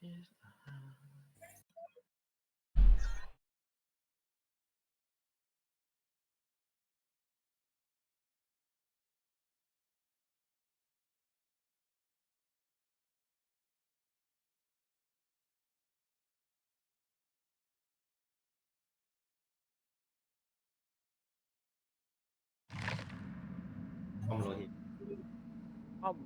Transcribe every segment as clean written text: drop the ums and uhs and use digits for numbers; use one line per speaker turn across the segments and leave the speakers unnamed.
คอมโลหิต
อ้อม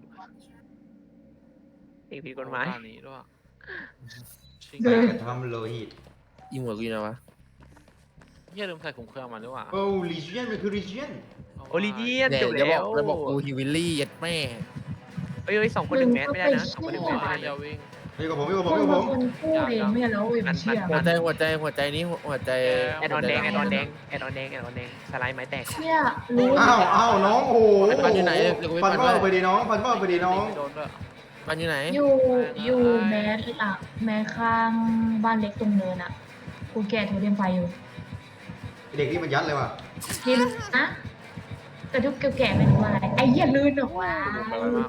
สิ่งผิดกฎหมาย
บ้านนี้ด้วย
ไปกระทำโลหิต
ยิงหัวกูนะวะ
เฮียลืมใส่ถุงเครื่องมาด้วยว่ะ
โอ้ลีเจียนมันคือลีเจียน
โอลิเวียน
เนี่ย
จบ
เดี๋ยวบ
แล้
อก
ว
แล้วบอกกูฮิวิลลี่ยัดแม่
เฮ้ย2 คน1 แมสไม่ได้นะ2 คน1 แมสไม่ได้
อย่า
นะ
วิ่ง
นี่กับผมนี่กับผม
มึ
นี่
ง
กับผ
เป็น
ม
คนพูดเองไม่ใช่แล้วเว้ยไม่เชื่อ
หัวใจนี้หัวใจ
แอดออนแดงแอดออนแดงแอดออนแดงแอดออนแดงสไลด์ไม้แตก
เชี่ยรู้
อ้าวน้องโอ้โห
ปันอยู่ไหนเดี๋ยวกูไป
ฟัน
ปัน
ว่า
ด้วย
ไปดีน้องฟันว่าไปดีน้อง
โดนด้วย
ปันอยู่ไหน
อยู่แมสอ่ะแมสข้างบ้านเล็กตรงเนินอ่ะกูแก่โทรเทียมไฟอยู่
เด็กนี่มันยัดเลยว่ะ
ทีมนะแต่ทุกแก่ๆไม่รู้อะไรไอ้เหี้ยลื่นออกมา
โดนไปไวมาก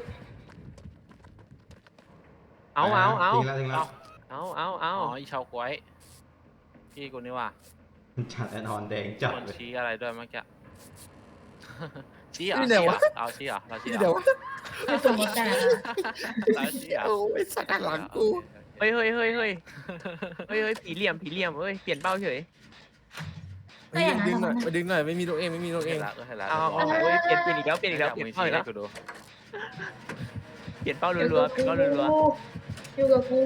เอา
ทิ้งแล้วทิ้งแล้ว
เอา
อ๋ออีชาวกล้วยพี่กูนี่ว่ะ
จัดแอนออนแดงจัด
มัน
เลย
ชี้อะไรด้วยเมื่อกี้ชี้เหร
นี่
อ
เดี๋ยววะ
เอาชี้เหรอเราชี้เหร
เดี๋ยว
อ
ไม่ตรงกับแต่
เราชี้เหรอ
โอ้ยสักหลังกู
เฮ้ยผีเหลี่ยมเฮ้ยเปลี่ยนเป้าเฉย
ดึงหน่อยมาดึงหน่อยไม่มีตัวเองไม่มีตัวเอ
เห็
ง
นละเห็นละ
เอาเฮ้ยเปลี่ยนอีกแล้วเปลี่ยนเปลี่ยนเป้าอีกแล้ว
กูดู
เปลี่ยนเป้ารัวๆเปลี่ยนเป้ารัว
อยู่กับกู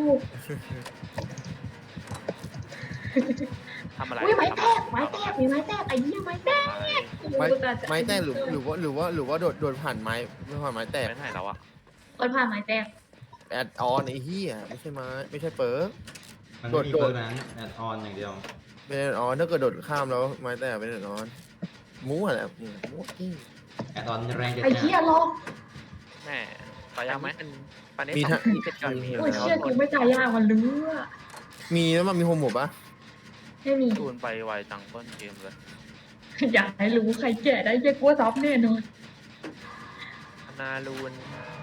ทำอะไร
อุ้ยไม้แตกมีไม้แตกไอ้เหี้ยไม้แตก
ไม้แตกหรือว่าโดดผ่านไม้แตก
ไม่ไหนแล้วอะ
คนผ่านไม้แตก
แอดออนไอ้เหี้ยไม่ใช่ไม้ไม่ใช่เปิร์
มันไม่มีเบอร์นั้นแอนออนอย่างเดียว
เป็นแอดออนถ้าเกิดโดดข้ามแล้วไม้แตกเป็นแอดออนมั่วแหละมั่วกิ้ง
แอนออนแรงจัด
ไอ้เหี้ยลอก
แม่ไป
ๆ
ยังไหม
ปันได้2 ทีเสร็จก่อน
โอ้ยเชี่ยกูไม่ตายยากมันเลือ
มีแล้วมันมีโฮมหมดปะ
ไม่มี
จูนไปไวจังเปิ้ลเกมเลย
อยากให้รู้ใครแก่ได้เยอะกว่าซับแน่นอน
นารูน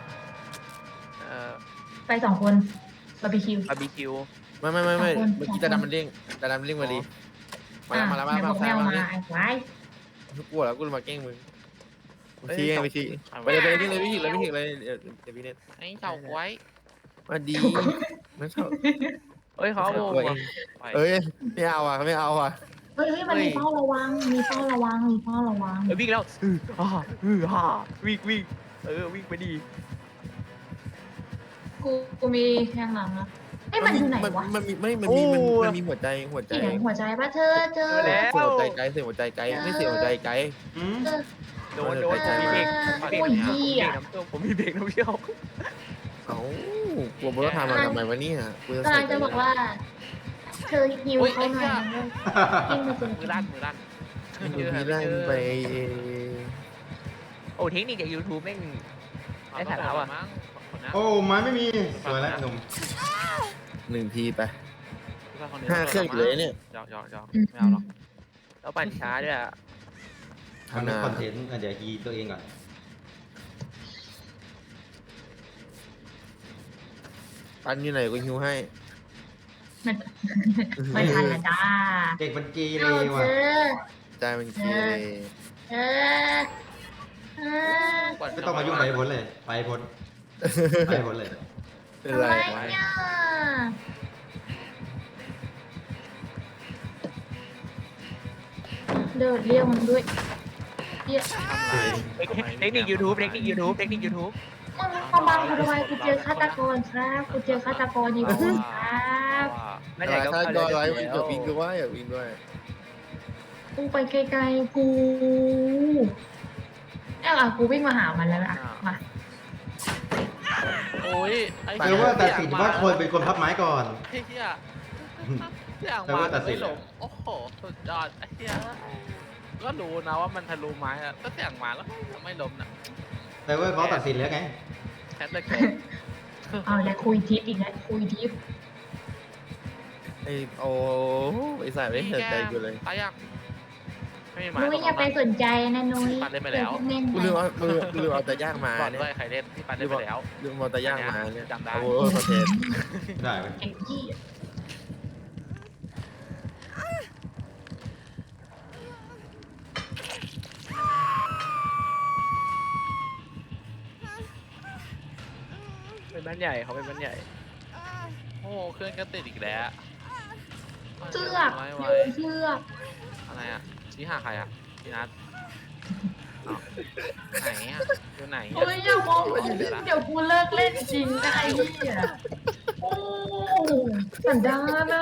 ไป2 คนบาร์บีคิว
บาร์บีคิว
ไม่เมื่อกี้ตาดำมันเด้งมาดีมาแล้ว
ไหนบอกแมวมาไอ้ไว้
กลัวแล้วกูมาแกล้งมึงชี้ไปชี้ไปเลยไม่ถึงเลยเดี๋ยวพี่เน็ต
ไอ้ชาวกล้วย
มาดีไม่ชอบ
เฮ้ยเขาเอาวงว่ะ
เอ้ยไม่เอาอ่ะ
เฮ้ยมันมีเฝ้าระวัง
เฮ้ยวิ่งแล้ววิ่งวิ่งไปดี
กูมีแทงหลังนะเอ้ยมันอยู่ไหนวะ
มันมีหัวใจ
เสียงหัวใจปะเธอ
เสียงหัวใจไกลไม่เสียงหัวใจไกล
โดนผมมีเบรก
โอ้ยเหี้ย
ผมมีเบรกน้ำเชี่ยว
เอ้ากลัวบนรถทำมาทำไมวะเนี่ยกู
กำลังจะบอกว่า เธอหิวเขาหน่อยกินมาเจอ
มือลั่น
พี่ลั่นไป
โอ้เทคนิคจาก YouTube แม่ง ไอ้สาระว่ะ
โอ้ไม้ไม่มีสวยแล้วหนุ่ม
1 ทีไป5 เครื่องอยู่เลยเนี่ย
หยอกไม่เอาหรอก
แล้วปั่นช้าด้วยอ่ะ
ทำเป็นคอนเทนต์เดี๋ยวฮีตัวเองก่อน
ปันอยู่ไหนกูฮิวให้
ไม่ทันละจ้า
เด็กมันเกเร
เอาเธ
ว่ะ
อ
ใจมันเกเร
เออ
ไม่ต้องมายุ่งไปพ้นเลยไปพ้นเลย
เป็น
ทำ
ไร
ไมเนี่ยเดินเรียกมันด้วยเรียก
เทคนิค YouTube มึง
มาบังกูทำไมกูเจอฆาตกรครับกูเจอฆาตกรอยู่ครับ
ไม่
อะไร
ได้ก็
ถ้า
เข้า
ก็
เลย
ไลฟ์อยากวิ่งด้วยอยากวิ่งด้วย
กูไปไกลๆกูกูวิ่งมาหามันแล้วมา
โอ้ย
แปลว่าตัดสินว่าคนเป็นคนพับไม้ก่อน
ไอ้เหี้ยเสียงมาแต่ไม่หลงโอ้โหสุดยอดไอ้เหี้ยก็รู้นะว่ามันทะลุไม้อะก็เสียงมาแล้วไม่ล้มนะ
แต่ว่าเขาตัดสินแล้วไง
แคทเลยแก
เอาแล้วคุยทิปอีกแล้วคุยทิป
ไอ้สายไม่เห็นใจกูเลย
ตายยัง
ไ
ไม่มีไม้
นุ้ยอย่าไปสนใจนะนุ้ย
ปัดเล่นไปแล้ว
เล่น
กูลืมเอาแต่ย่างมา
บอล
เนี่ย
ด้วยใครเล่นพี่ปัดเล่นไปแล้ว
ลืมเอาแต่ย่างมาเนี่ย
จำได้
โอ้โหคอนเทนต์
ได้ไหม
ไอ้ที่
เป็นบ้านใหญ่เขาเป็นบ้านใหญ่
โอ้เครื่องก็ติดอีกแล้ว
เชือก
ไว้
โย
ไว้
นเชือก
อะไรอ่ะชี้หาใครอ่ะพี่นัทอ้าวไหนอ่ะอยู่ไหน
โอ้ยอย่ามองเดี๋ยวกูเลิกเล่นจริงนะไอ้เหี้ยโอ้สันดานอ่ะ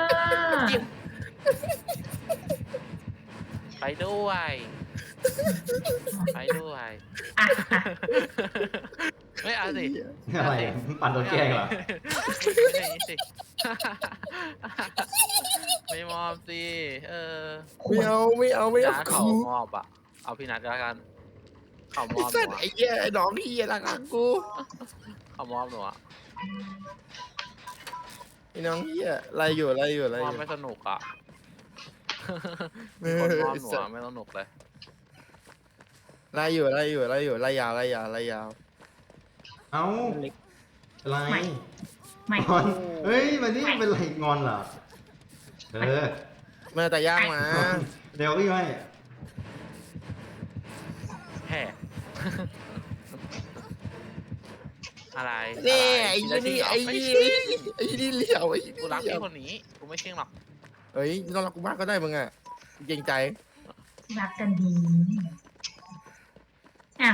ไปด้วยไปด้วย
อ่ะ
ไม่เอาสิ
อะไรปั่นโดนแกล้งเหรอ
ไม่อย่างนี้สิไม่มอบสิ
ไม่เอา
นัด
เขา
เขามอบอ่ะเอาพี่นัทก็แล้วกันเขาม
ไอ้
อบห
สั
นู
ตว์
อะ
ไอ้เหี้ยไอ้น้องเหี้ยรักกู
เขามอบหนูอ่ะ
ไอ้น้องเหี้ยอะไรอยู่
มอบไม่สนุกอ่ะคนมอบหนูอะไม่สนุกเลย
ไล่อยู่ไล่ยาว
เอ้า
เล็ก
อะไร
ไม่
งอนเฮ้ยมันนี่เป็นไรงอนเหรอเออ
มาแต่ย่างมา
เดี๋ยวพี่ไม่
แห่อะไร
นี่
ะร
ไอ้
คิด
นี่
แล้ว
ไอ้
จริ
นี่
งเหรอ
ไอ้นี่เหลี่ยวไอ้
กูรักพี่คนนี้กูไม่เชื่อหรอก
เฮ้ยต้องรักกูมากก็ได้มึงอ่ะเกรงใจ
รักกันดีอ่ะ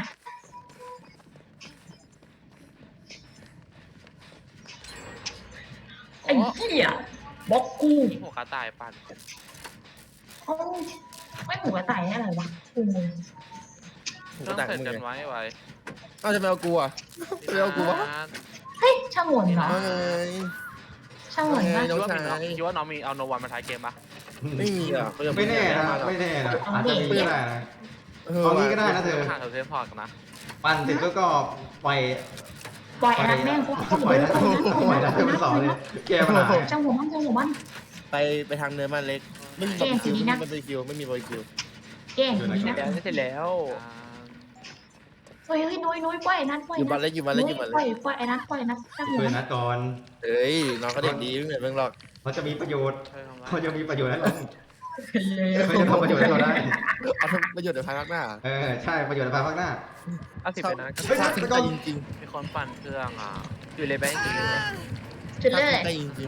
ไอ้เหี้ยบล็อกกู
นี่หัวกระต่ายปั่น
เอ้าไม่หมูกระต่ายอะไรวะกูงง
ผม
ต้
ก็
อง
แต่ง
เสร็จ
มึง
กัน
ไง
ไว้ไว้
เอ้าจะไปเอากูอ่ะ ไม่เอากูวะ
เฮ้ยช่างหวนเหรอ
เอาไง
ช่างหวนปะ
น้
คิ
อ
ด
ง
ว่า
ชา
มีน้อง
ย
คิดว่าน้องมีเอาโนวันมาท้ายเกมปะ
ไม่มีอ่ะเขาจะ
ไม่แน่นะ
าหรอก
ไม่แน่นะอาจจะมีก็ได้นะ เอางี้ก็ได้นะเธอ
หาเทมพอร์ตกันนะ
ปั่นเสร็จก็ปล่อย
ปล่อยไอ้นักแม่งกู
ปล่อยนะปล่อยนะเธอเป็นสองเลยแก้ปัญหา
ช่างหัวมันช่างหัวมัน
ไปทางเนินบ้านเล็กไม่มีบาร์บีคิวไม่มีบาร์บีคิว
แกล้งดีนะ
แล้วเสร็จแล้ว
เฮ้ยน้อยปล่อยไอ้นัทปล่อย
อยู่บ้าน
นัท
เล็กอยู่บ้านเล็กอยู่บ้าน
ปล่
เล็
อย
ก
ปล่อยไอ้นัทปล่อยนัทช่างหัว
ช่วย
มัน
นัดก่อน
เฮ้ยน้องก็เด็กดีไม่เหมือนมึงหรอก
เขาจะมีประโยชน์
ช่วยทำไร
เขาจะมีประโยชน์ให้เราเขาจะทำประโยชน์ให้เราได้
เอาทำประโยชน์ในภายภาคหน้า
เออใช่ประโยชน์ในภายภาคหน้า
เอาสิบไปนะ
เฮ้ย
ถ้า
นั
ทิ้
ด
ง
ก่
ได้
อน
จริง
มีคนปั่นเครื่องอ่ะ
อยู่เลยไปจริง
จุด
ๆ
เล
ถ้าย ทิ้งได้จริง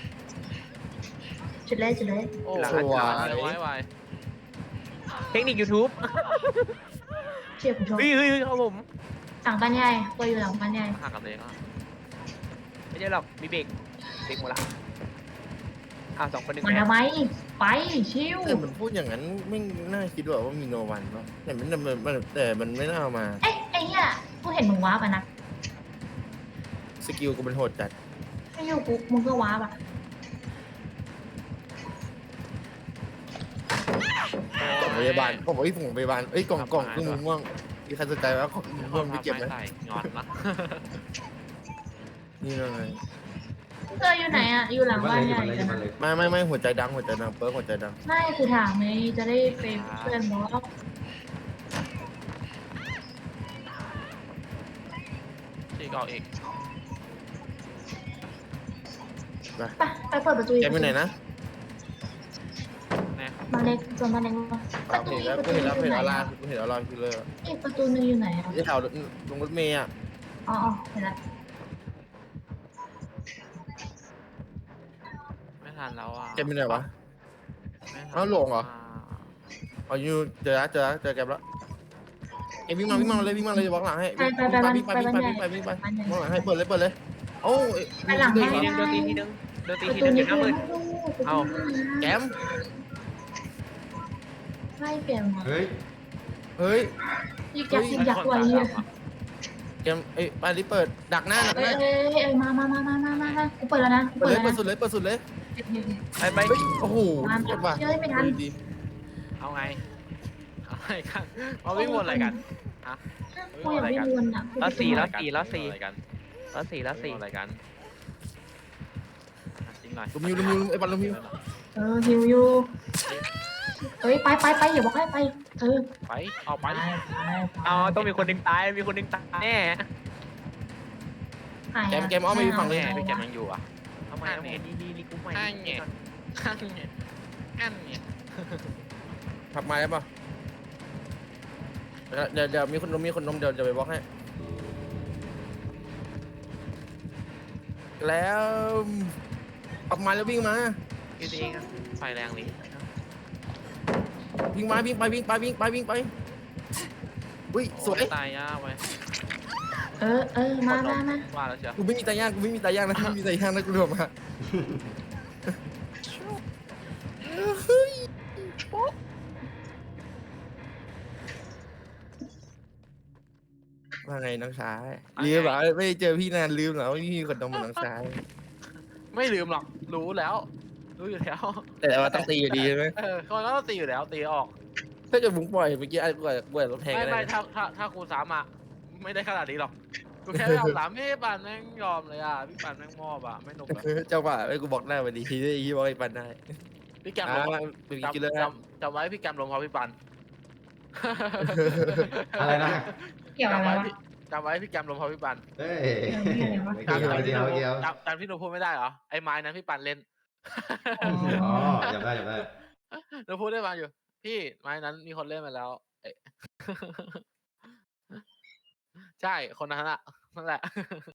จุดเลยจุดเลย
โอ้
สวย
ไว้ไว้
เทคนิค YouTube
เชี่ยกูชอบ
เฮ้ยครับผม
หลังบ้านใหญ่ปล่อยอยู่หลังบ้านใหญ่
ห่างกันเลยอ่ะ
ไม่ใช่หรอกมีเบรกหมดละสองคนหนึ่ง
มัน
แล้ว
ทำไมไปชิว
แต่มันพูดอย่างนั้นไม่น่าคิดว่ามีโนวันเนาะแต่มันไม่น่าเอามา
เอ้ยไอ้เหี้ยกูเห็นมึงว้าป่ะนะ
สกิลกูเป็นโหดจัด
ไม่อยู่กูมึงก็ว้าป่ะ
ของพยาบาลผมบอกที่ผมพยาบาลเอ้ยกล่องเครื่องมือม่วงมีใครสนใจว่าของมือม่วงพี่เก็บไหม
ใส่งอนนะ
นี่เลย
เธออยู่ไหนอ่ะอยู่หลัง
บ้า
บ้าน น
เล็ก
ใหญ่
บ้านเล็ก
ไม่หัวใจดังเปิร์หัวใจดัง
ไม่กูถามไงจะได้ไปเพื่อนบอส
ที่เก่าอีก
ไปเปิดประตูอีก
แกไปไหนนะ
แน่
มาเล็กจนมาเล็กป
เอา
ระตู
เห็น
อีก
แล้ว
ประตู
เห็น
นึ
แล้ว
งอยู่
เห็น
ไหน
แล้ว
อ่ะ
คิลเลอร์
อีกประตูนึงอยู่ไหนอ่ะ
ที่แถวลงรถเมย์อ่ะ
อ๋อเห็นละ
ไม่ทันแล้วอ่ะ
แกไปไหนวะ
ไม่ทัน
เอาหลงเหรอ อ๋ออยู่เจอแกแล้วเอ็มวิ่งมาเลยบล็อกหลังให้
ไปบ้านใหญ่
บล็อกหลังให้เปิดเลยโอ้
ไปหลัง
ที
ให้
นึงโดนตีทีนึงอยู่หน้ามืด
เอาแกม
ไม่เปลี่ยนมา
เฮ้ย
เฮ้ย
ยิกยักไว้เหี้ย
แกมบ้านนี้เปิดดักหน้า
เอ้ยมากูเปิดแล้วนะ
เปิดสุดเลย
ไป
โอ้โหกดว่ะ
เอาไงเอาไงกันมาวิ่งวนอะไรกันฮะ
กูอยากวิ่งวนอ่ะ
แล้วสี่
อะไรกัน อะไรกันจริงหน่อย
ลุมยูไอ้บอลลุมยู
ฮิวยูเอ้ยไปอย่าบอกให้ไปเออ
ไปเอาไป
เอาต้องมีคนหนึ่งตายมีคนหนึ่งตายแน่
แกมอ้อมไปฝั่ง
แม่
เลย
พี่แกยังอยู่อ่ะ
ทำไมนี่กูใหม่
ข้างเนี่ยข้างเนี่ยอันเนี่ย
ขับมาได้ป่ะเดี๋ยวมีคนนมเดี๋ยวไปบล็อกให้แล้วออกมาแล้ววิ่งมา
คิดเองไฟแรงนี้
วิ่งไปอุ้ยสวย
ตายยากไป
เออมา
ว่าแล้วเชียว
กูไม่มีตาย่างนะไม่มีตาย่างนะกูรวมมาว่าไงน้องชายลืมเหรอไม่เจอพี่นานลืมเหรอว่าพี่มีคนนมเหมือนน้องชาย
ไม่ลืมหรอกรู้แล้วรู้อยู่แล้ว
แต่ว่าต้องตีอยู่ดีใช่ไหม
คนก็ต้องตีอยู่แล้วตีออก
ถ้าเกิดมึงปล่อยเมื่อกี้ไอ้กูรถแทง
ไม่
กัน
ไม่
ได้
ถ้าครูสามอ่ะไม่ได้ขนาดนี้หรอกกูแค่ยอมสามพี่ปันแม่งยอมเลยอ่ะพี่ปันแม่งมอบอ่ะไม่หนุกอ่ะ
เจ้าป่าไอ้กูบอกได้วันดีที่ยี่บอกไอ้ปันได้
พี่แกม
อ่า
ลง
เป็นกินเลย
จำไว้พี่แกมลงเพราะพี่ปัน
อะไรนะ
เกี่ยวอะไรวะ
จำไว้พี่แกมลงเพราะพี่ปัน
เฮ้ย
เกี่ยวอะไรวะ
ไม่เกี่ยว
จำที่หนูพูดไม่ได้เหรอไอ้ไม้นั้นพี่ปันเล่น
อ๋อจำได้
หนูพูดได้มาอยู่ พี่ไม้นั้นมีคนเล่นมาแล้วเอ๊ะ ใช่คนนั้นอะนั่นแหละ